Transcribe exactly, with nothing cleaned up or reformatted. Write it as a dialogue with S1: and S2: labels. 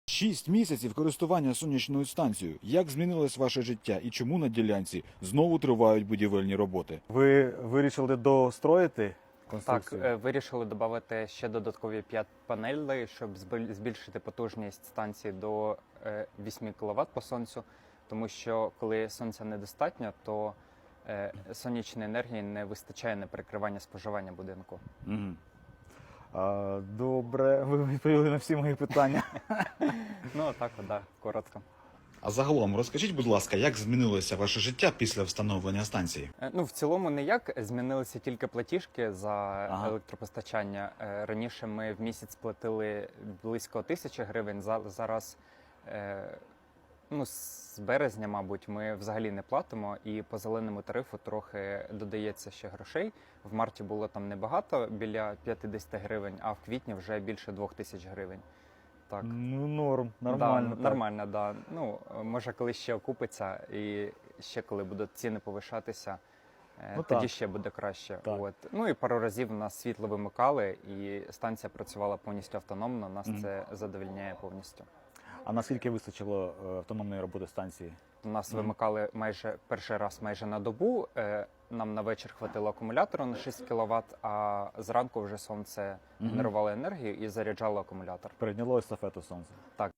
S1: Шість місяців користування сонячною станцією. Як змінилось ваше життя і чому на ділянці знову тривають будівельні роботи?
S2: Ви вирішили достроїти
S3: Так,
S2: конструкцію?
S3: е, вирішили додати ще додаткові п'ять панелей, щоб збиль- збільшити потужність станції до е, вісім кіловат по сонцю, тому що коли сонця недостатньо, то е, сонячної енергії не вистачає на перекривання споживання будинку.
S1: Угу.
S2: А, добре, ви відповіли на всі мої питання.
S3: Ну, так, да, коротко.
S1: А загалом розкажіть, будь ласка, як змінилося ваше життя після встановлення станції?
S3: Е, Ну, в цілому ніяк, змінилися тільки платіжки за
S1: Ага.
S3: електропостачання. Е, Раніше ми в місяць платили близько тисячі гривень, за- зараз е, ну, з березня, мабуть, ми взагалі не платимо, і по зеленому тарифу трохи додається ще грошей. В марті було там небагато, біля п'ятдесят гривень, а в квітні вже більше двох тисяч гривень. Так.
S2: Ну, норм, нормально.
S3: Да,
S2: так.
S3: нормально, да. Ну, може, коли ще окупиться, і ще коли будуть ціни повишатися, е,
S2: Ну,
S3: тоді
S2: так.
S3: ще буде краще.
S2: Так.
S3: От. Ну і пару разів у нас світло вимикали, і станція працювала повністю автономно. Нас
S1: Мгм.
S3: це задовольняє повністю.
S2: А наскільки вистачило е, автономної роботи станції?
S3: У нас
S1: Мгм.
S3: вимикали майже перший раз майже на добу. Е, Нам на вечір хватило акумулятору на шість кіловат, а зранку вже сонце
S1: Мгм.
S3: генерувало енергію і заряджало акумулятор.
S2: Перейняло естафету сонце.
S3: Так.